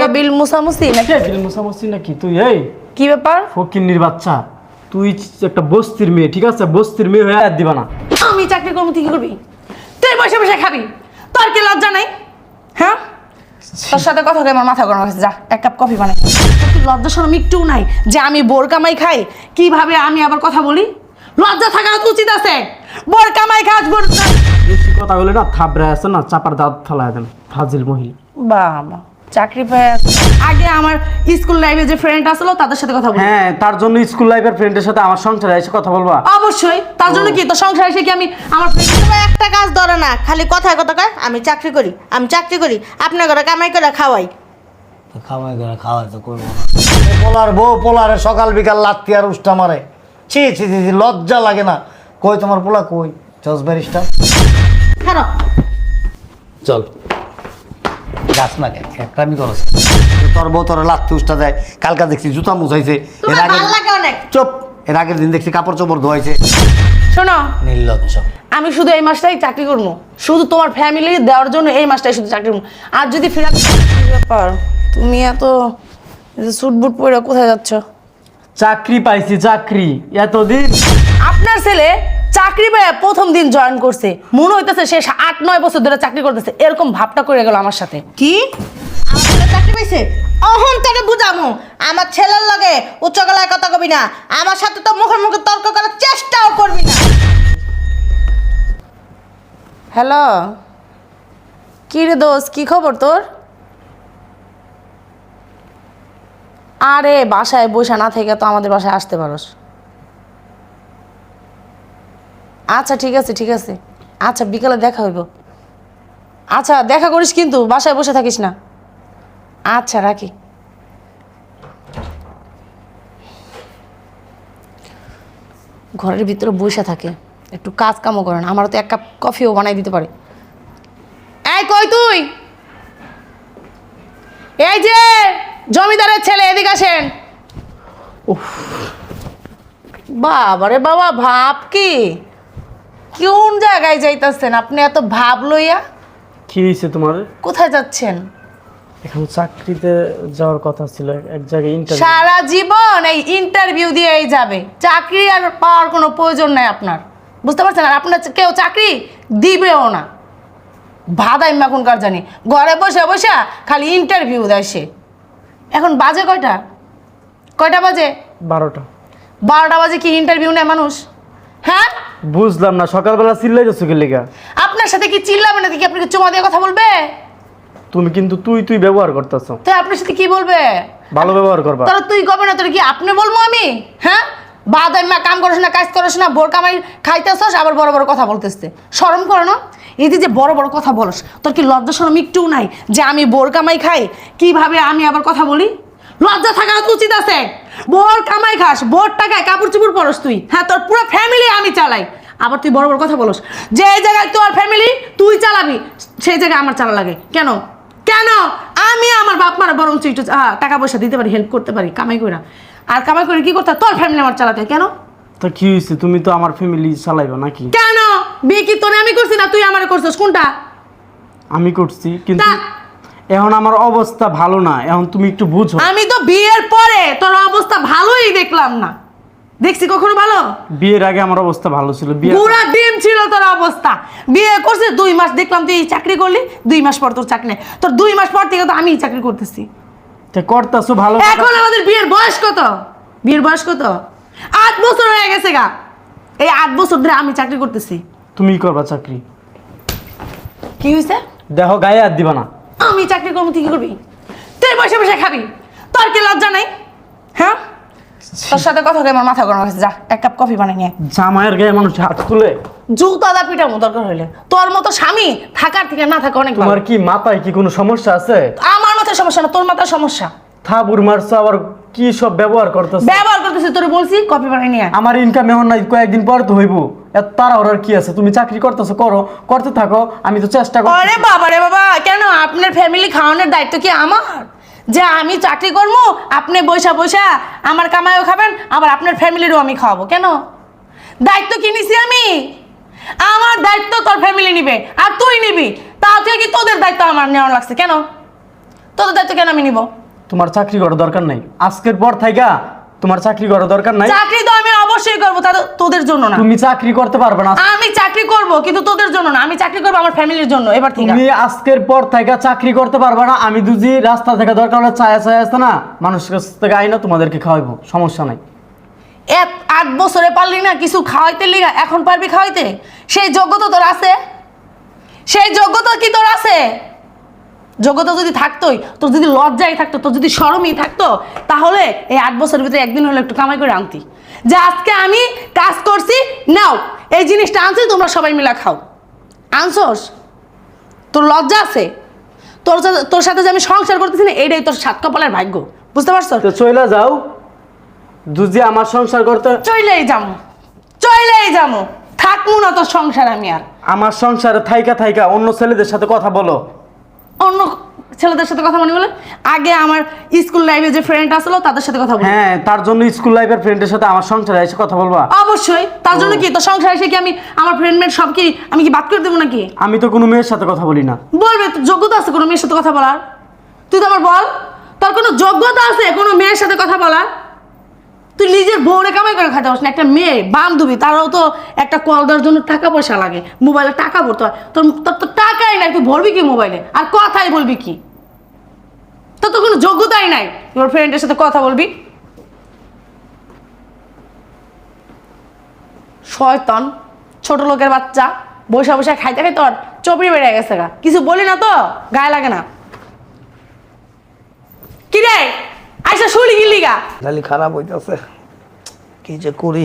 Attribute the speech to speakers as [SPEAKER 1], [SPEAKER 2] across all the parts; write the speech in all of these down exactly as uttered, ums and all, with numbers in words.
[SPEAKER 1] বিল মুসামুসি নাকি
[SPEAKER 2] বিল মুসামুসি নাকি তুই? এই
[SPEAKER 1] কি ব্যাপার?
[SPEAKER 2] ফকিন্নির বাচ্চা, তুই একটা বস্তির মেয়ে, ঠিক আছে? বস্তির মেয়ে হয়ে আর দিবা না।
[SPEAKER 1] আমি চাকরি করবো তুই কি করবি? তুই বসে বসে খাবি, তোর কি লজ্জা নাই? হ্যাঁ, তোর সাথে কথা বলে আমার মাথা গরম হয়েছে। যা এক কাপ কফি বানাই। তোর কি লজ্জা শরম একটু নাই যে আমি বোর কামাই খাই? কিভাবে আমি আবার কথা বলি? লজ্জা থাকা উচিত আছে। বোর কামাই খাস, বোর
[SPEAKER 2] বেশি কথা বলে না থাবড়ে আছে না, চাপার দাঁত ফেলায় দেন ফাজিল মহিলা।
[SPEAKER 1] বাবা, চাকরি পেয়ে আগে আমার স্কুল লাইফে যে ফ্রেন্ড আসলো তাদের সাথে কথা বলি।
[SPEAKER 2] হ্যাঁ, তার জন্য স্কুল লাইফের ফ্রেন্ডের সাথে আমার সংসারে এসে কথা বলবা?
[SPEAKER 1] অবশ্যই। তার জন্য কি তোর সংসার এসে কি আমি আমার
[SPEAKER 3] তোমার একটা কাজ ধরে না, খালি কথায় কথা কয় আমি চাকরি করি, আমি চাকরি করি, আপনার ঘরে কামাই করে খাওয়াই।
[SPEAKER 4] খাওয়াই করে খাওয়াই তো করবো না। পোলার বউ পোলারে সকাল বিকাল লাত্তি আর উষ্টা মারে। ছি ছি ছি ছি, লজ্জা লাগে না? কই তোমার পোলা কই? জজ ব্যারিস্টার
[SPEAKER 3] খারাপ
[SPEAKER 4] চল গাছ না কেন একটা আমি করছি। তোর বউ তোর লাত্তি উষ্টা দেয়, কালকা দেখছি জুতা মুছাইছে, এর
[SPEAKER 3] তোমার
[SPEAKER 4] আগে
[SPEAKER 3] ভালো লাগে অনেক।
[SPEAKER 4] চুপ, এর আগের দিন দেখছি কাপড় চোপড় ধোয়াইছে।
[SPEAKER 1] শোনো,
[SPEAKER 4] নির্লজ্জ।
[SPEAKER 1] আমি শুধু এই মাসটাই চাকরি করবো, শুধু তোমার ফ্যামিলি দেওয়ার জন্য এই মাসটাই শুধু চাকরি করবো। আর যদি ফেরা ব্যাপার, তুমি এত স্যুট বুট পরে কোথায় যাচ্ছ?
[SPEAKER 2] চাকরি পাইছি, চাকরি এতদিন।
[SPEAKER 1] আপনার ছেলে চাকরি পেয়ে প্রথম দিন জয়েন করছে, মনে হইতেছে সে আট নয় বছর ধরে চাকরি করতেছে, এরকম ভাবটা করে গেল আমার সাথে।
[SPEAKER 3] কি আমার ছেলে চাকরি পাইছে? অহন তোরে বুঝামু, আমার ছেলের লগে উচ্চ গলায় কথা কবি না, আমার সাথে তো মুখে মুখে তর্ক করার চেষ্টাও করবি না।
[SPEAKER 1] হ্যালো, কি রে দোস্ত, কি খবর তোর? আরে বাসায় বসে না থেকে তো আমাদের বাসায় আসতে পারোস। আচ্ছা ঠিক আছে ঠিক আছে, আচ্ছা বিকালে দেখা হইব। আচ্ছা দেখা করিস কিন্তু, বাসায় বসে থাকিস না। আচ্ছা রাখি। ঘরের ভিতরে বসে থাকে, একটু কাজ কামও করে না, আমারও তো এক কাপ কফিও বানাই দিতে পারে। এই কই তুই? এই যে জমিদারের ছেলে, এদিকে আসেন। বাবারে বাবা, ভাব কি কোন জায়গায় যাইতেছেন আপনি এত ভাব লইয়া?
[SPEAKER 2] কি হয়েছে তোমার?
[SPEAKER 1] কোথায় যাচ্ছেন?
[SPEAKER 2] এখন চাকরিতে যাওয়ার কথা ছিল, এক জায়গায় ইন্টারভিউ।
[SPEAKER 1] সারা জীবন এই ইন্টারভিউ দিয়েই যাবে, চাকরি আর পাওয়ার কোনো প্রয়োজন নাই আপনার, বুঝতে পারছেন? আর আপনার কেউ চাকরি দিবেও না। ভাদাই এখনকার জানি ঘরে বসে বসে খালি ইন্টারভিউ দেয় সে। এখন বাজে কয়টা? কয়টা বাজে?
[SPEAKER 2] বারোটা।
[SPEAKER 1] বারোটা বাজে কি ইন্টারভিউ নেয় মানুষ? হ্যাঁ
[SPEAKER 2] বুঝলাম না, সকালবেলা চিল্লাই যাচ্ছ কি লেগা?
[SPEAKER 1] আপনার সাথে কি চিল্লাবে না? কি আপনাকে চুমা দিয়ে কথা বলবে?
[SPEAKER 2] তুমি কিন্তু তুই তুই ব্যবহার করতেছ।
[SPEAKER 1] তো আপনার সাথে কি বলবে?
[SPEAKER 2] ভালো ব্যবহার করবা।
[SPEAKER 1] তাহলে তুই কবে না, তোর কি আপনি বলবো আমি? হ্যাঁ, বাদাই মা কাম করিস না, কাজ করিস না, বোর কামাই খাইতেছস, আবার বড় বড় কথা বলতেছে। শরম করো না? এই যে বড় বড় কথা বলস, তোর কি লজ্জা শরম একটুও নাই যে আমি বোর কামাই খাই? কিভাবে আমি আবার কথা বলি? লজ্জা থাকা উচিত আছে। বোর কামাই খাস, বোর টাকায় কাপড় চুপড় পরস তুই। হ্যাঁ, তোর পুরো ফ্যামিলি আমি চালাই, আবার তুই বড় বড় কথা বলস। যে জায়গায় তোর ফ্যামিলি তুই চালাবি, সেই জায়গায় আমার চালা লাগে কেন? কেন? আমি আমার বাপ মারা বরং একটু টাকা পয়সা দিতে পারি, হেল্প করতে পারি কামাই করে। আর কামাই করে কি করতে? তোর ফ্যামিলি আমার চালাতে কেন?
[SPEAKER 2] তা কি হয়েছে? তুমি তো আমার ফ্যামিলি চালাইবা নাকি?
[SPEAKER 1] কেন? বিয়ে কি তোরে আমি করছি না তুই আমারে করছিস? কোনটা?
[SPEAKER 2] আমি করছি, কিন্তু
[SPEAKER 1] তা-
[SPEAKER 2] এখন আমার অবস্থা ভালো না, এখন তুমি একটু বুঝো।
[SPEAKER 1] আমি তো বিয়ের পরে তোর অবস্থা ভালোই দেখলাম না। দেখছি কখনো ভালো?
[SPEAKER 2] বিয়ের আগে আমার অবস্থা ভালো ছিল। বিয়ে
[SPEAKER 1] পুরা ডিম ছিল তোর অবস্থা। বিয়ে করছিস দুই মাস, দেখলাম তুই চাকরি করলি, দুই মাস পর তোর চাকরি নেই। তোর দুই মাস পর থেকে তো আমি চাকরি করতেছি।
[SPEAKER 2] করতেছো ভালো।
[SPEAKER 1] এখন আমাদের বিয়ের বয়স কত? বিয়ের বয়স কত? আট বছর হয়ে গেছে গা। এই আট বছর ধরে আমি চাকরি করতেছি।
[SPEAKER 2] তুমি করবা চাকরি?
[SPEAKER 1] কি হয়েছে?
[SPEAKER 2] দেখো গায়ে আর দিবা না।
[SPEAKER 1] আমি চাকরি করবো তুই কি করবি? তুই বসে বসে খাবি, তোর কি লজ্জা নাই? হ্যাঁ, তোর সাথে কথা বলে আমার মাথা গরম হয়েছে। যা এক কাপ কফি বানাই নিয়ে।
[SPEAKER 2] জামাইয়ের গায়ে মানুষ হাত তুলে
[SPEAKER 1] জুতা দা পিটামো দরকার হইলে। তোর মতো স্বামী থাকার থেকে না থাকা অনেক ভালো।
[SPEAKER 2] তোমার কি মাথায় কি কোনো সমস্যা আছে?
[SPEAKER 1] আমার মাথায় সমস্যা না, তোর মাথায় সমস্যা।
[SPEAKER 2] থাবুর মারছো, আবার কি সব ব্যবহার করতেছ?
[SPEAKER 1] ব্যবহার করতেছি, তোর বলছি কফি বানাই নিয়ে।
[SPEAKER 2] আমার ইনকাম এমন নাই, কয়েকদিন পর তো হইব। এত তাড়াহুড়ার কি আছে? তুমি চাকরি করতেছো, করো, করতে থাকো, আমি তো চেষ্টা করি।
[SPEAKER 1] আরে বাবা রে বাবা, কেন? আপনার ফ্যামিলি খাওয়ানোর দায়িত্ব কি আমার? যে আমি চাকরি করবো, আপনি বৈশা বৈশা আমার কামাইও খাবেন, আবার আপনার ফ্যামিলিরও আমি খাওয়াবো? কেন? দায়িত্ব কি নিছি আমি? আমার দায়িত্ব তোর ফ্যামিলি নিবে আর তুই নিবি, তাও থেকে কি তোদের দায়িত্ব আমার নেওয়া লাগছে? কেন? তোদের দায়িত্ব কেন আমি নিব?
[SPEAKER 2] তোমার চাকরি করার দরকার নাই, আজকের পর থাইকা তোমার চাকরি করার দরকার নাই।
[SPEAKER 1] চাকরি তো আমি অবশ্যই করবো, তা তো- তোদের জন্য না।
[SPEAKER 2] তুমি চাকরি করতে পারবে না।
[SPEAKER 1] আমি চাকরি করব কিন্তু তোদের জন্য না, আমি চাকরি করবো আমার ফ্যামিলির জন্য। এবার ঠিক
[SPEAKER 2] তুমি আজকের পর থেকে চাকরি করতে পারবে না। আমি দুজি রাস্তা থেকে দরকার হলে চায়া চায়া আছে না, মানুষের কাছ থেকে আইনা তোমাদেরকে খাওয়াইবো, সমস্যা নাই।
[SPEAKER 1] এক আট বছরে পারলি না কিছু খাওয়াইতে লিগা, এখন পারবি খাওয়াইতে? সেই যোগ্যতা তোর আছে? সেই যোগ্যতা কি তোর আছে? যোগ্যতা যদি থাকতোই, তোর যদি লজ্জাই থাকতো, তোর যদি শরমই থাকতো, তাহলে এই আট বছরের ভিতরে একদিন হলে একটু কামাই করে আনতি, যে আজকে আমি কাজ করছি, নাও এই জিনিসটা আনছি, তোমরা সবাই মিলা খাও। আনছোস? তোর লজ্জা আছে? তোর সাথে তোর সাথে যে আমি সংসার করতেছি না, এইটাই তোর সাত কপালের ভাগ্য, বুঝতে পারছো?
[SPEAKER 2] তো চইলা যাও, দুজি আমার সংসার করতে।
[SPEAKER 1] চইলেই যাবো, চইলেই যাবো, থাকবো না তোর সংসার আমি আর।
[SPEAKER 2] আমার সংসারে থাইকা থাইকা অন্য ছেলেদের সাথে কথা বলো।
[SPEAKER 1] অন্য ছেলেদের সাথে কথা মনে বলে? আগে আমার স্কুল লাইফে যে ফ্রেন্ড আসলো তাদের সাথে কথা বলি।
[SPEAKER 2] হ্যাঁ, তার জন্য স্কুল লাইফের ফ্রেন্ডের সাথে আমার সংসারে এসে কথা বলবা?
[SPEAKER 1] অবশ্যই। তার জন্য কি তোর সংসার এসে কি আমি আমার ফ্রেন্ড মেট সব কি আমি কি বাদ করে দেবো নাকি?
[SPEAKER 2] আমি তো কোনো মেয়ের সাথে কথা বলি না।
[SPEAKER 1] বলবে তোর যোগ্যতা আছে কোনো মেয়ের সাথে কথা বলার? তুই তো আমার বল, তোর কোনো যোগ্যতা আছে কোনো মেয়ের সাথে কথা বলার? তুই নিজের বউরে কামাই করে খাতে পারছিস না, একটা মেয়ে বান্ধবী তারাও তো একটা কল দেওয়ার জন্য টাকা পয়সা লাগে, মোবাইলে টাকা ভরতে হয়। তোর তোর তো টাকাই নাই, তুই ভরবি কি মোবাইলে? আর কথাই বলবি কি? তোর তো কোনো যোগ্যতাই নাই তোর ফ্রেন্ডের সাথে কথা বলবি। শয়তান ছোট লোকের বাচ্চা, বসে বসে খাইতে খাইতে তোর চপড়ি বেড়ে গেছে গা, কিছু বলি না তো গায়ে লাগে না। কি রে আইসা শুলি গিলি গা?
[SPEAKER 4] খালি খারাপ হইতেছে, কি যে করি।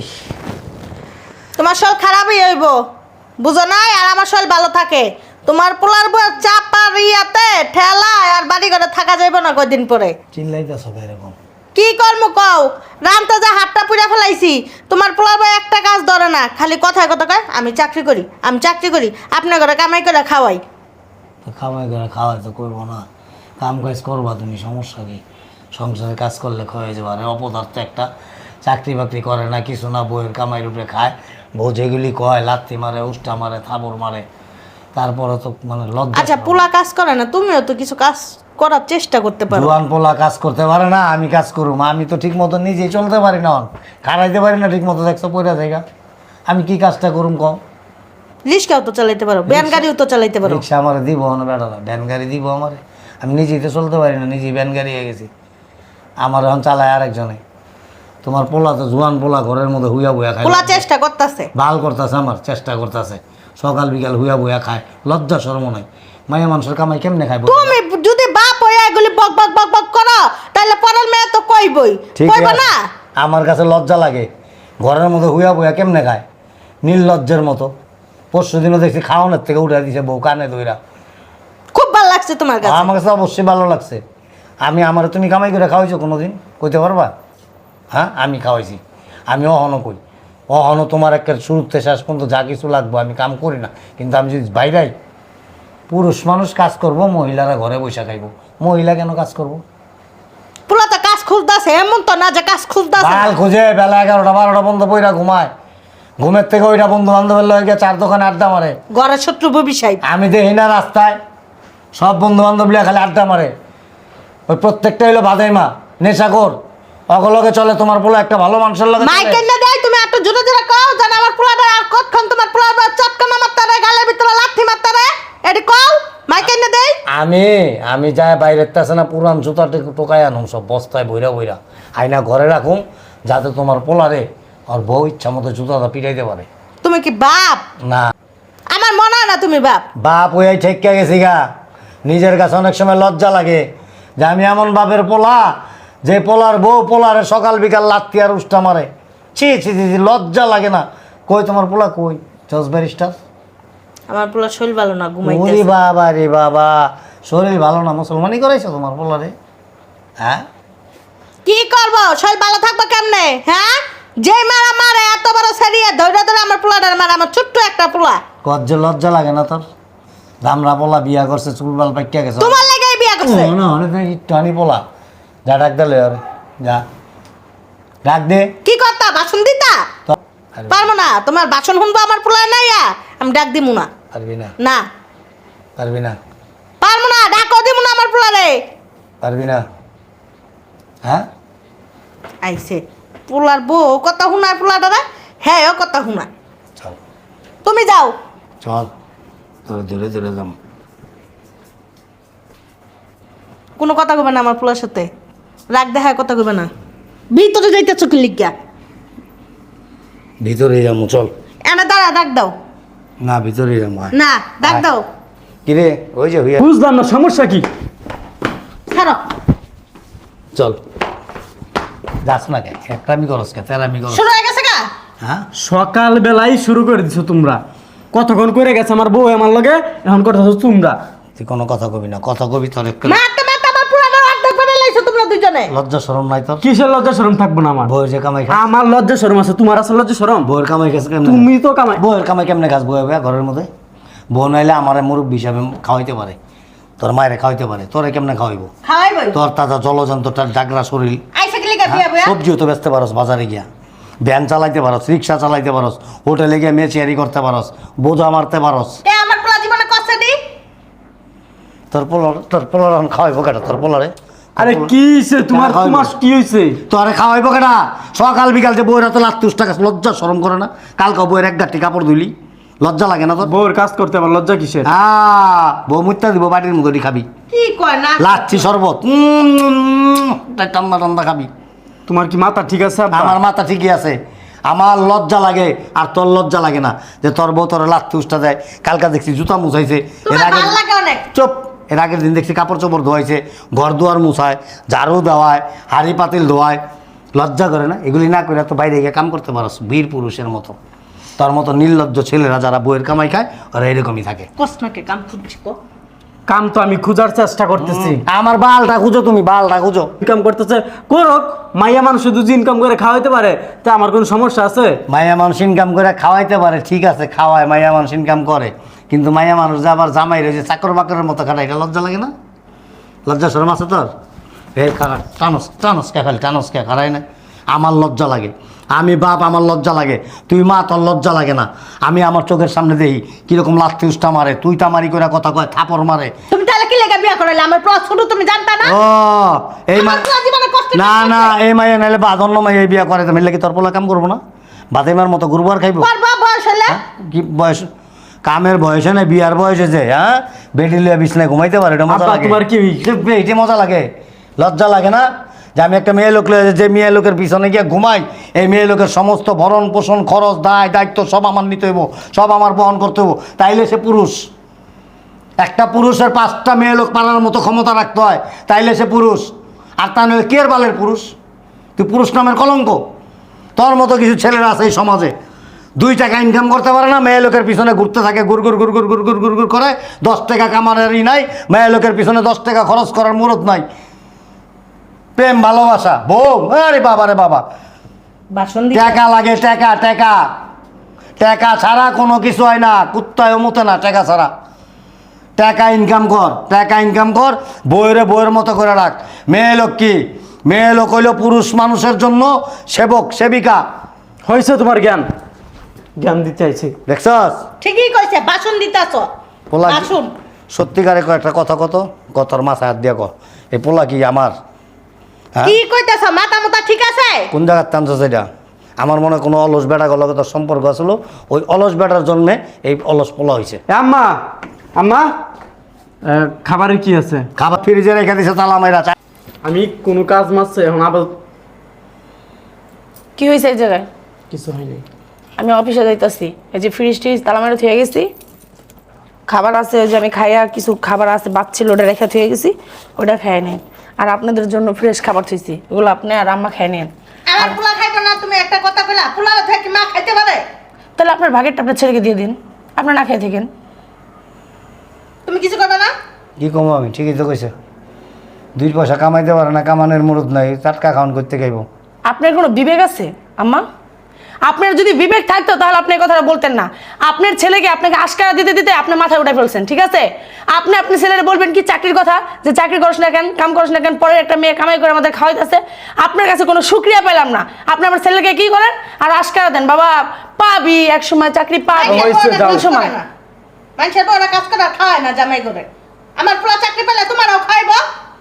[SPEAKER 3] তোমার শরীর খারাপই হইব, বুঝো নাই? আর আমার শরীর ভালো থাকে। তোমার পোলার বউ চাপা রিয়াতে ঠেলায় আর বাড়ি ঘরে থাকা যাইব না কয়দিন পরে।
[SPEAKER 4] চিল্লাইতেছ এরকম?
[SPEAKER 3] কি কর্ম কও? রামতে যা হাতটা পুড়া ফেলাইছি, তোমার পোলার বউ একটা কাজ ধরে না, খালি কথায় কথা কয় আমি চাকরি করি, আমি চাকরি করি, আপনার ঘরে কামাই করে খাওয়াই।
[SPEAKER 4] তো খাওয়াই করে খাওয়াই তো করবো না, কাম কাজ করবা তুমি, সমস্যা কি? সংসারে কাজ করলে খাওয়াই যাবে। আর অপদার্থ একটা চাকরি বাকরি করে না, কিছু না, বউয়ের কামাই রূপে খায়। বউ যেগুলি কয় লাত্তি মারে, উষ্টা মারে, থাবর মারে, তারপরে তো মানে লজ্জা।
[SPEAKER 3] আচ্ছা পোলা কাজ করে না, তুমিও তো কিছু কাজ করার চেষ্টা করতে পারো।
[SPEAKER 4] জোয়ান পোলা কাজ করতে পারে না, আমি কাজ করুম? আমি তো ঠিক মতো নিজেই চলতে পারি না, খাড়াইতে পারি না ঠিক মতো, দেখছো পয়রা জায়গা। আমি কি কাজটা করুম কম?
[SPEAKER 3] রিক্সাও তো চালাইতে পারো, ভ্যান গাড়িও তো চালাইতে পারো।
[SPEAKER 4] রিক্সা আমার দিব না বেড়ালা, ভ্যান গাড়ি দিব আমারে? আমি নিজেই তো চলতে পারি না, নিজেই ভ্যান গাড়ি হয়ে গেছি, আমার এখন চালায় আরেকজনে। তোমার পোলা তো জোয়ান পোলা, ঘরের মধ্যে হুইয়া বুয়া খায়,
[SPEAKER 3] পোলা চেষ্টা করতেছে,
[SPEAKER 4] ভাল করতেছে, আমার চেষ্টা করতেছে, সকাল বিকাল হুইয়া বুয়া খায়, লজ্জা শরম নাই। মায়া মানুষের কামাই কেমনে খায়?
[SPEAKER 3] তুমি যদি বাপ হয়ে এগুলি বক বক বক বক করো, তাহলে পরের মেয়ে তো কইবই,
[SPEAKER 4] ঠিক
[SPEAKER 3] কইব
[SPEAKER 4] আছে,
[SPEAKER 3] না?
[SPEAKER 4] আমার কাছে লজ্জা লাগে, ঘরের মধ্যে হুইয়া বুয়া কেমনে খায়, নির্লজ্জের মতো। পরশু দিনও দেখছি খাওয়ানোর থেকে উঠে দিছে বউ কানে দইরা।
[SPEAKER 3] খুব ভালো লাগছে তোমার কাছে?
[SPEAKER 4] আমার কাছে অবশ্যই ভালো লাগছে। আমি আমার তুমি কামাই করে খাওয়াইছো কোনোদিন? কইতে পারবা? হ্যাঁ, আমি খাওয়াইছি। আমি অহনো কই, অহনো তোমার একটা শুরুতে শেষ পর্যন্ত যা কিছু লাগবো আমি কাম করি না, কিন্তু আমি যদি বাইরাই পুরুষ মানুষ কাজ করব, মহিলারা ঘরে বসে খাইব। মহিলা কেন কাজ করব?
[SPEAKER 3] পোলা তো কাজ খুঁজতেছে, এমন তো না যে কাজ খুঁজতেছে।
[SPEAKER 4] বাল খুঁজে বেলা এগারোটা বারোটা বন্ধ বইরা ঘুমায়, ঘুমের থেকে ওইটা বন্ধু বান্ধবের লয়ে গিয়ে চার দোকানে আড্ডা মারে।
[SPEAKER 3] ঘরের শত্রু ভবিষ্যৎ
[SPEAKER 4] আমি দেখি না রাস্তায় সব বন্ধু বান্ধব লিয়া খালি আড্ডা মারে, ওই প্রত্যেকটা হইলো বাদাইমা, নেশাখোর, অগলগে চলে। তোমার পোলা একটা ভালো মানুষের লগে চলে?
[SPEAKER 3] মাইকেল না দেয়, তুমি একটু জোরে জোরে কও জান আমার পোলাটা আর কতক্ষণ তোমার পোলাটা চটকানা মারতারে, গালের ভিতরে লাথি মারতারে, এডি কও মাইকেল না দেয়।
[SPEAKER 4] আমি আমি যাই বাইরের আছে না, পুরান জুতা টোকাই আনুম সব বস্তায় বইরা বইরা, আইনা ঘরে রাখুম, যাতে তোমার পোলারে আর বউ ইচ্ছা মতো জুতাটা পিটাইতে পারে।
[SPEAKER 3] তুমি কি বাপ?
[SPEAKER 4] না,
[SPEAKER 3] আমার মনে হয় না তুমি বাপ।
[SPEAKER 4] বাপ ওই ঠেক্কা গেছি গা। নিজের কাছে অনেক সময় লজ্জা লাগে যে আমি এমন বাপের পোলা, যে পোলার বউ পোলারে সকাল বিকাল লাত্তি আর উষ্টা মারে। ছি ছি ছি ছি, লজ্জা লাগে না? কই তোমার পোলা কই? জজ ব্যারিস্টার?
[SPEAKER 3] আমার পোলা শরীর ভালো না,
[SPEAKER 4] ওরে
[SPEAKER 3] ঘুমাইতেছে।
[SPEAKER 4] বাবা রে বাবা, শরীর ভালো না, মুসলমানি করাইছো তোমার পোলারে? হ্যাঁ,
[SPEAKER 3] কি করব? শরীর ভালো থাকবে কেমনে? হ্যাঁ, যে মারা মারে এত বড় সেরিয়ে ধরে ধরে আমার পোলাটার মারা, আমার ছোট্ট একটা পোলা।
[SPEAKER 4] কত যে লজ্জা লাগে না তোর? দামরা পোলা বিয়া করছে, চুল বাল পাইকা গেছে।
[SPEAKER 3] তোমার লেগেই বিয়া করছে।
[SPEAKER 4] না অনেক একটু আনি পোলা, যা ডাক দিলে আরে যা ডাক দে।
[SPEAKER 3] কি করতা? বাসন দিতা?
[SPEAKER 4] তো আরে
[SPEAKER 3] পারবো না, তোমার বাসন শুনবো আমার পোলা নাইয়া, আমি ডাক দিমু না।
[SPEAKER 4] পারবি না,
[SPEAKER 3] না
[SPEAKER 4] পারবি না।
[SPEAKER 3] পারবো না, ডাকও দিমু না আমার পোলা রে।
[SPEAKER 4] পারবি না? হ্যাঁ
[SPEAKER 3] আইছে পোলার বউ কথা শুনায় পোলাটা রে, হ্যাঁ ও কথা শুনায়।
[SPEAKER 4] চল
[SPEAKER 3] তুমি যাও।
[SPEAKER 4] চল তোর ধীরে ধীরে যাম।
[SPEAKER 3] কোনো কথা কবে না আমার পোলার সাথে, রাগ দেখায় কথা কবে না। ভিতরে যাইতেছ কি লিগা?
[SPEAKER 4] ভিতরে যাবো চল।
[SPEAKER 3] এনে দাঁড়া, ডাক দাও।
[SPEAKER 4] না ভিতরে যাবো। আয়।
[SPEAKER 3] না ডাক
[SPEAKER 4] আয়।
[SPEAKER 3] দাও।
[SPEAKER 4] কিরে ওই যে হইয়া
[SPEAKER 2] বুঝলাম না সমস্যা কি?
[SPEAKER 3] ছাড়ো।
[SPEAKER 4] চল যাস না কে একটামি করস কে তেরামি করস
[SPEAKER 3] শুরু হয়ে গেছে গা।
[SPEAKER 4] হ্যাঁ
[SPEAKER 2] সকাল বেলায় শুরু করে দিছো তোমরা। কতক্ষণ করে গেছে আমার বউ আমার লগে, এখন করতেছো তোমরা।
[SPEAKER 4] তুই কোনো কথা কবি না, কথা কবি তোর একটু
[SPEAKER 3] মারতে মারতে আমার পুরানো অর্ধেক করে লাইছো তোমরা দুজনে।
[SPEAKER 4] লজ্জা শরম নাই তোর?
[SPEAKER 2] কিসের লজ্জা শরম থাকবো না আমার?
[SPEAKER 4] বউয়ের যে কামাই খাস,
[SPEAKER 2] আমার লজ্জা শরম আছে, তোমার আছে লজ্জা শরম?
[SPEAKER 4] বউয়ের কামাই খাস কেমনে?
[SPEAKER 2] তুমি তো কামাই।
[SPEAKER 4] বউয়ের কামাই কেমনে খাস? বউয়ে বউয়ে ঘরের মধ্যে বউ নাইলে আমার মুরব্বী হিসাবে খাওয়াইতে পারে, তোর মায়ের খাওয়াইতে পারে, তোরে কেমনে খাওয়াইবো?
[SPEAKER 3] খাওয়াই বই।
[SPEAKER 4] তোর তাজা জলযন্ত্রটার জাগরা শরীর,
[SPEAKER 3] আইসা কি লিগা বিয়া বিয়া?
[SPEAKER 4] সবজিও তো বেচতে পারস বাজারে গিয়া, ভ্যান চালাইতে পারস, রিক্সা চালাইতে পারস, হোটেলে গিয়ে মেচিয়ারি করতে পারস, বোঝা মারতে পারস।
[SPEAKER 3] কে আমার পোলা জীবনে কষ্ট দি?
[SPEAKER 4] তোর পোলার তোর পোলার এখন খাওয়াইবো কেটা? তোর পোলারে
[SPEAKER 2] আরে কি হইছে তোমার?
[SPEAKER 4] খাওয়াইবো।
[SPEAKER 2] তোমার কি হইছে?
[SPEAKER 4] তোরে খাওয়াইবো কেটা? সকাল বিকাল যে বউয়ের হাতে লাত্তুস টাকা, লজ্জা শরম করে না? কালকে বউয়ের এক গাঠি কাপড় ধুলি, লজ্জা লাগে না তোর?
[SPEAKER 2] বউর কাজ করতে আমার লজ্জা কিসের?
[SPEAKER 4] আহ, বউ মুত্তা দিব বাটির মতো খাবি,
[SPEAKER 3] কি কয় না?
[SPEAKER 4] লাচ্ছি শরবত উম, ঠান্ডা ঠান্ডা খাবি।
[SPEAKER 2] তোমার কি মাথা ঠিক আছে আব্বা?
[SPEAKER 4] আমার মাথা ঠিকই আছে, আমার লজ্জা লাগে আর তোর লজ্জা লাগে না যে তোর বউ তোর লাত্তি উষ্টা দেয়। কালকা দেখছি জুতা মুছাইছে, এর
[SPEAKER 3] তোমার
[SPEAKER 4] আগে
[SPEAKER 3] ভাল লাগে অনেক।
[SPEAKER 4] চুপ, এর আগের দিন দেখছি কাপড় চোপড় ধোয়াইছে, ঘর দুয়ার মুছায়, ঝাড়ু দেওয়ায়, হাঁড়ি পাতিল ধোয়ায়। লজ্জা করে না? এগুলি না করে তো বাইরে গিয়ে কাম করতে পারস বীর পুরুষের মতো। তোর মতো নির্লজ্জ ছেলেরা যারা বউয়ের কামাই খায় ওরা এরকমই থাকে।
[SPEAKER 3] কষ্ট নাকি কাম খুঁজছি কো?
[SPEAKER 2] কাম তো আমি খোঁজার চেষ্টা করতেছি।
[SPEAKER 4] আমার বালটা খুঁজো, তুমি বালটা খুঁজো।
[SPEAKER 2] ইনকাম করতেছে করক, মাইয়া মানুষ শুধু ইনকাম করে খাওয়াইতে পারে, তা আমার কোনো সমস্যা আছে?
[SPEAKER 4] মায়া মানুষ ইনকাম করে খাওয়াইতে পারে, ঠিক আছে খাওয়ায়, মায়া মানুষ ইনকাম করে, কিন্তু মায়া মানুষ যে আবার জামাই রয়েছে চাকর বাকরের মতো খাটা, এটা লজ্জা লাগে না? লজ্জা শরম আছে তোর? এই খারা টানস টানস কে খালি টানস কে খারাই না? আমার লজ্জা লাগে, আমি বাপ, আমার লজ্জা লাগে। তুই মা, তোর লজ্জা লাগে না? আমি আমার চোখের সামনে দেখি কিরকম লাথি উষ্টা মারে, তুই তামারি করে কথা কয়, থাপড় মারে।
[SPEAKER 3] তুমি তাহলে কি লেগে বিয়া করাইলে? আমার পোলা ছোট তুমি জানতা না?
[SPEAKER 4] ও এই মা,
[SPEAKER 3] আমার পোলা জীবনে কষ্ট
[SPEAKER 4] না না এই মাইয়া নাইলে বা অন্য মাইয়া এই বিয়া করে, তুমি কি তোর পোলা কাম করবো না? বাদেমার মতো গুরু আর খাইবো?
[SPEAKER 3] করবা বয়স হলে?
[SPEAKER 4] কি বয়স? কামের বয়সে না বিয়ার বয়সে যে হ্যাঁ বেডি লিয়া বিছনায় ঘুমাইতে পারে, এটা মজা
[SPEAKER 2] আব্বা,
[SPEAKER 4] লাগে?
[SPEAKER 2] তোমার কি?
[SPEAKER 4] এইটা মজা লাগে, লজ্জা লাগে না? যে আমি একটা মেয়ে লোক লয়ে যে মেয়ে লোকের পিছনে গিয়ে ঘুমাই, এই মেয়ে লোকের সমস্ত ভরণ পোষণ খরচ দায় দায়িত্ব সব আমার নিতে হইব, সব আমার বহন করতে হইব, তাইলে সে পুরুষ। একটা পুরুষের পাঁচটা মেয়ে লোক পালার মতো ক্ষমতা রাখতে হয়, তাইলে সে পুরুষ। আর তা নয় কে বালের পুরুষ? তুই পুরুষ নামের কলঙ্ক। তোর মতো কিছু ছেলেরা আছে এই সমাজে, দুই টাকা ইনকাম করতে পারে না, মেয়ে লোকের পিছনে ঘুরতে থাকে, গুড় গুড় গুড় গুড় গুড় গুড় গুড় গুড় করে, দশ টাকা কামানেরই নাই, মেয়ে লোকের পিছনে দশ টাকা খরচ করার মুরত নাই। প্রেম ভালোবাসা বউ, আরে বাবা রে বাবা,
[SPEAKER 3] বাসন দি
[SPEAKER 4] টাকা লাগে, টাকা টাকা টাকা ছাড়া কোনো কিছু হয় না, কুত্তায় মতে না টাকা ছাড়া। টাকা ইনকাম কর, টাকা ইনকাম কর, বইরে বইয়ের মতো করে রাখ। মেয়ে লোক কি? মেয়ে লোক হইল পুরুষ মানুষের জন্য সেবক সেবিকা।
[SPEAKER 2] হয়েছে তোমার জ্ঞান, জ্ঞান দিতে আইছি।
[SPEAKER 4] দেখছস
[SPEAKER 3] ঠিকই কইছে, বাসন দিতাছ।
[SPEAKER 4] পোলা কি-
[SPEAKER 3] বাসন
[SPEAKER 4] সত্যিকারে কয় একটা কথা কত কতর মাথায় হাত দিয়ে ক, এই পোলা কি আমার? হ্যাঁ
[SPEAKER 3] কি কইতাছ? মাথা মাথা ঠিক আছে?
[SPEAKER 4] কোন জায়গার টানছস এটা? আমার মনে হয় কোনো অলস বেটা গলকে তোর সম্পর্ক আসলো, ওই অলস বেটার জন্যে এই অলস পোলা হয়েছে।
[SPEAKER 2] এ আম্মা, আম্মা, এ, খাবারের কি আছে?
[SPEAKER 4] খাবার ফ্রিজে রেখে দিছে তালা মাইরা।
[SPEAKER 2] আমি কোনো কাজ মারছে এখন আবার
[SPEAKER 1] কি হয়েছে এই জায়গায়?
[SPEAKER 2] কিছু হয়নি।
[SPEAKER 1] আমি অফিসে যাইতাছি, এই যে ফ্রিজ টিজ তালা মেরে থুয়ে গেছি, খাবার আছে ওই যে আমি খাইয়া কিছু খাবার আছে বাচ্ছিল ওটা রেখে থুয়ে গেছি, ওটা খাই নেন। আর আপনাদের জন্য ফ্রেশ খাবার থুইছি, ওগুলো আপনি আর আম্মা খাই নেন।
[SPEAKER 3] আমার পোলা খাইবে না? তুমি একটা কথা কইলা, পোলা থেকে মা খাইতে পারে?
[SPEAKER 1] তাহলে আপনার ভাগেরটা আপনার ছেলেকে দিয়ে দিন, আপনার না খেয়ে থাকেন।
[SPEAKER 3] তুমি কিছু করবে না?
[SPEAKER 4] কি কমো আমি? ঠিকই তো কইছে, দুই পয়সা কামাইতে পারে না, কামানের মুরত নাই, টাটকা খাওয়ান করতে খাইব।
[SPEAKER 1] আপনার কোনো বিবেক আছে আম্মা? আপনার যদি বিবেক থাকতো তাহলে আপনি এই কথাটা বলতেন না। আপনার ছেলেকে আপনাকে আশকারা দিতে দিতে আপনার মাথায় উঠে ফেলছেন, ঠিক আছে? আপনি আপনার ছেলেরা বলবেন কি চাকরির কথা, যে চাকরি করছ না কেন, কাম করছ না কেন, পরে একটা মেয়ে কামাই করে আমাদের খাওয়াইতেছে। আপনার কাছে কোনো শুক্রিয়া পেলাম না, আপনি আমার ছেলেকে কি করেন আর আশকারা দেন, বাবা পাবি এক সময় চাকরি পাবি।
[SPEAKER 2] হয়েছে, যাও।
[SPEAKER 1] কোন সময়?
[SPEAKER 3] মানুষের বউরা কাজ করে আর খাওয়ায় না জামাই করে। আমার পোলা চাকরি পেলে তোমারও খাইব।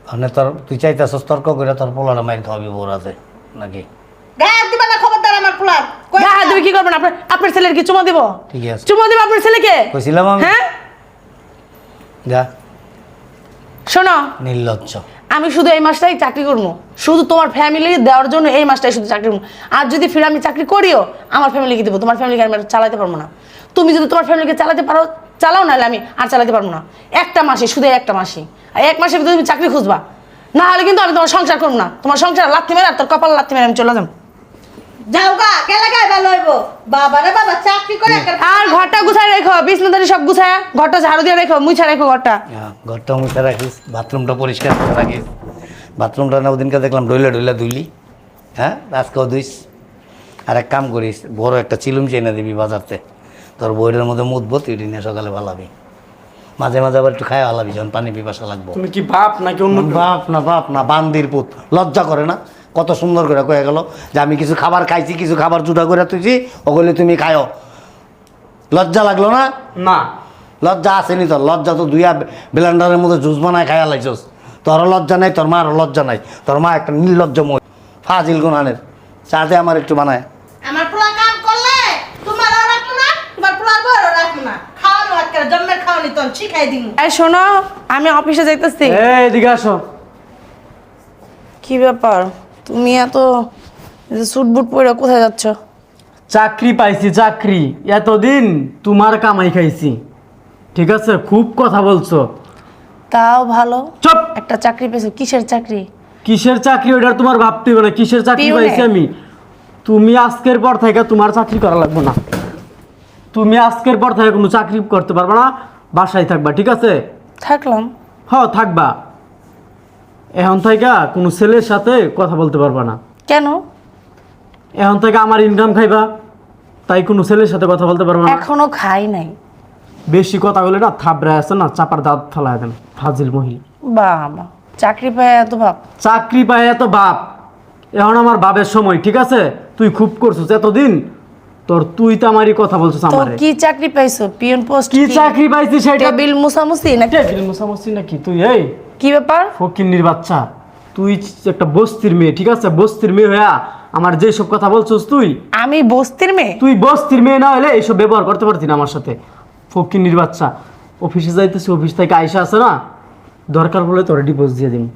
[SPEAKER 4] মানে তোর তুই চাইতেছস তর্ক করে তোর পোলাটা মাইর খাওয়াবি বোরাতে নাকি?
[SPEAKER 3] গায়ে দিবা না খবরদার আমার পোলার। কই
[SPEAKER 1] হ্যাঁ তুমি কি করবেন? আপনার আপনার ছেলের কি চুমা দিব?
[SPEAKER 4] ঠিক আছে
[SPEAKER 1] চুমা দিব আপনার ছেলেকে?
[SPEAKER 4] কইছিলাম আমি।
[SPEAKER 1] হ্যাঁ
[SPEAKER 4] যা
[SPEAKER 1] শোনো,
[SPEAKER 4] নির্লজ্জ।
[SPEAKER 1] আমি শুধু এই মাসটাই চাকরি করবো, শুধু তোমার ফ্যামিলি দেওয়ার জন্য এই মাসটাই শুধু চাকরি করবো। আর যদি ফিরে আমি চাকরি করিও, আমার ফ্যামিলিকে দেবো, তোমার ফ্যামিলিকে আমি আর চালাতে পারবো না। তুমি যদি তোমার ফ্যামিলিকে চালাতে পারো চালাও, নাহলে আমি আর চালাতে পারবো না। একটা মাসে, শুধু এই একটা মাসে, আর এক মাসের ভিতরে তুমি চাকরি খুঁজবা, না হলে কিন্তু আমি তোমার সংসার করবো না। তোমার সংসার লাথি মেরে আর তোর কপাল লাথি মেরে আমি চলে যাবো।
[SPEAKER 3] যাও গা, গেলে গায়ে ভালো হইব। বাবা রে বাবা, চাকরি করে একটা
[SPEAKER 1] আর ঘরটা গুছায় রেখো, বিছনাদারি সব গুছায়, ঘরটা ঝাড়ু দিয়ে রেখো, মুছা রেখো ঘরটা।
[SPEAKER 4] হ্যাঁ, ঘরটা মুছে রাখিস, বাথরুমটা পরিষ্কার করে রাখিস। বাথরুমটা না ওদিনকে দেখলাম ডইলা ডইলা ধুইলি, হ্যাঁ আজকেও ধুইস। আর এক কাম করিস, বড় একটা চিলুম চেনে দিবি বাজারতে, তোর বইয়ের মধ্যে মুদবো, তুই নিয়ে সকালে ভালাবি, মাঝে মাঝে আবার একটু খায় ভালাবি যখন পানি পিপাসা লাগবো।
[SPEAKER 2] তুমি কি বাপ নাকি অন্য কেউ?
[SPEAKER 4] বাপ না বাপ না, বান্দির পুত, লজ্জা করে না? কত সুন্দর করে কয়ে গেল যে আমি কিছু খাবার খাইছি, কিছু খাবার জুটা করে তুইছি, ওগুলি তুমি খাও। লজ্জা লাগলো না?
[SPEAKER 2] না
[SPEAKER 4] লজ্জা আসেনি তোর? লজ্জা তো দুইয়া ব্লেন্ডারের মধ্যে জুস বানায় খাইয়া লাইছস। তোরও লজ্জা নাই, তোর মারও লজ্জা নাই। তোর মা একটা নির্লজ্জ মই, ফাজিল গুনানের। চাতে আমার একটু বানায়।
[SPEAKER 3] আমার পোলা কাম করলে তোমারও রাখবো না, তোমার পোলার বউরও রাখবো না। খাওয়ানো একটা জন্মের খাওয়ানি তো শিখাই দিন।
[SPEAKER 1] এই শোনো, আমি অফিসে যাইতেছি।
[SPEAKER 2] এই এদিকে আসো।
[SPEAKER 1] কি ব্যাপার, তুমি এত স্যুট বুট পরে কোথায় যাচ্ছ?
[SPEAKER 2] চাকরি পাইছি, চাকরি। এতদিন তোমার কামাই খাইছি, ঠিক আছে? খুব কথা বলছো।
[SPEAKER 1] তাও ভালো,
[SPEAKER 2] চুপ।
[SPEAKER 1] একটা চাকরি পেয়েছো। কিসের চাকরি?
[SPEAKER 2] কিসের চাকরি ওটা তোমার ভাবতে হবে না। কিসের চাকরি
[SPEAKER 1] পিওনে।
[SPEAKER 2] পাইছি আমি? তুমি আজকের পর থেকে তোমার চাকরি করা লাগবে না। তুমি আজকের পর থেকে কোনো চাকরি করতে পারবে না, বাসায় থাকবা, ঠিক আছে?
[SPEAKER 1] থাকলাম।
[SPEAKER 2] হ্যাঁ থাকবা। এখন থেকে কোনো ছেলের সাথে কথা বলতে পারবা না।
[SPEAKER 1] কেন?
[SPEAKER 2] এখন থেকে আমার ইনকাম খাইবা, তাই কোনো ছেলের সাথে কথা বলতে পারবা না।
[SPEAKER 1] এখনো খাই নাই।
[SPEAKER 2] বেশি কথা বলে না, থাবড়ে আছে না, চাপার দাঁত ফেলায় দেন, ফাজিল মহিলা।
[SPEAKER 1] বাবা, চাকরি পেয়ে এত ভাব?
[SPEAKER 2] চাকরি পায় এত বাপ, এখন আমার বাপের সময়, ঠিক আছে? তুই খুব করছিস এতদিন, তোর তুই তো আমারই কথা বলছিস
[SPEAKER 1] তো
[SPEAKER 2] আমারে।
[SPEAKER 1] কি চাকরি পাইছো? Peon post?
[SPEAKER 2] কি চাকরি পাইছি সেটা?
[SPEAKER 1] টেবিল মুসামুসি নাকি?
[SPEAKER 2] টেবিল মুসামুসি নাকি? তুই এই
[SPEAKER 1] কি ব্যাপার?
[SPEAKER 2] ফকিন্নির বাচ্চা, তুই একটা বস্তির মেয়ে, ঠিক আছে? বস্তির মেয়ে হইয়া আমার যে সব কথা বলছিস তুই,
[SPEAKER 1] আমি বস্তির মেয়ে?
[SPEAKER 2] তুই বস্তির মেয়ে না হলে এইসব ব্যবহার করতে পারতি না আমার সাথে। ফকিন্নির বাচ্চা, অফিসে যাইতেছি, অফিস থেকে আইসা আছে না, দরকার বলে তোর ডিভোর্স দিয়ে দিন।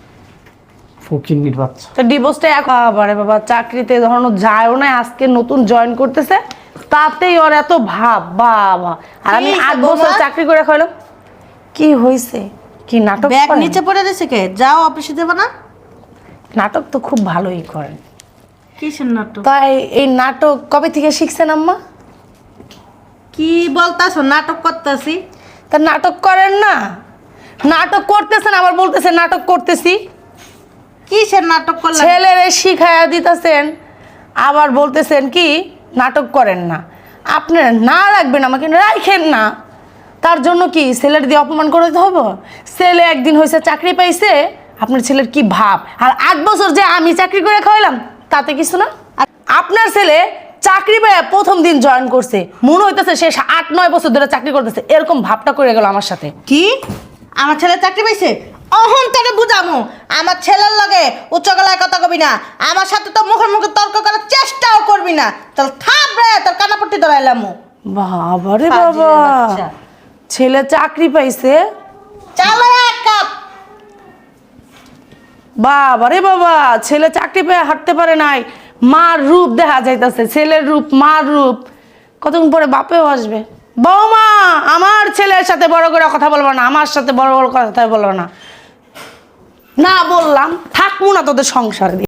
[SPEAKER 2] ফকিন্নির বাচ্চা।
[SPEAKER 1] তো ডিভোর্সটা একেবারে বাবা, চাকরিতে যখন ও যায়ও না, আজকে নতুন জয়েন করতেছে, তাতেই ওর এত ভাব। বাবা, আর আমি
[SPEAKER 3] কি
[SPEAKER 1] আট
[SPEAKER 3] বৌমা?
[SPEAKER 1] বছর চাকরি করে খাইলাম। কি হয়েছে? কি নাটক
[SPEAKER 3] ব্যাগ
[SPEAKER 1] করেন?
[SPEAKER 3] নিচে পড়ে দিছে কে? যাও অফিসে দেবো না?
[SPEAKER 1] নাটক তো খুব ভালোই করেন।
[SPEAKER 3] কিসের নাটক?
[SPEAKER 1] তাই এই নাটক কবে থেকে শিখছেন আম্মা?
[SPEAKER 3] কি বলতাছো? নাটক করতেছি।
[SPEAKER 1] তা নাটক করেন না? নাটক করতেছেন আবার বলতেছেন নাটক করতেছি।
[SPEAKER 3] কিসের নাটক করলাম?
[SPEAKER 1] ছেলেরে শিখাইয়া দিতেছেন, আবার বলতেছেন কি নাটক করেন না। আপনারা না রাখবেন, আমাকে রাখেন না, তার জন্য কি ছেলের দিয়ে অপমান করে দিতে হবে? ছেলে একদিন হয়েছে চাকরি পাইছে, আপনার ছেলের কি ভাব? আর আট বছর যে আমি চাকরি করে খাওয়াইলাম তাতে কিছু না। আর আপনার ছেলে চাকরি পেয়ে প্রথম দিন জয়েন করছে, মনে হইতেছে সে আট নয় বছর ধরে চাকরি করতেছে, এরকম ভাবটা করে গেল আমার সাথে।
[SPEAKER 3] কি? আমার ছেলে চাকরি পাইছে? অহন তোরে বুঝামু, আমার ছেলের লগে উচ্চ গলায় কথা কবি না, আমার সাথে তো মুখে মুখে তর্ক করার চেষ্টাও করবি না। চল থাপ রে, তোর কানাপট্টি ধরাইলাম।
[SPEAKER 1] বাবা রে
[SPEAKER 3] ফাজিলের
[SPEAKER 1] বাবা,
[SPEAKER 3] বাচ্চা।
[SPEAKER 1] ছেলে চাকরি পাইছে,
[SPEAKER 3] চালো এক কাপ।
[SPEAKER 1] বাবা রে বাবা, ছেলে চাকরি পেয়ে হাঁটতে পারে নাই, মার রূপ দেখা যাইতাছে, ছেলের রূপ, মার রূপ। কতক্ষণ পরে বাপেও আসবে। বৌমা, আমার ছেলের সাথে বড় করে কথা বলবো না, আমার সাথে বড় বড় কথা বলবো না। না বললাম, থাকবো না তোদের সংসারে।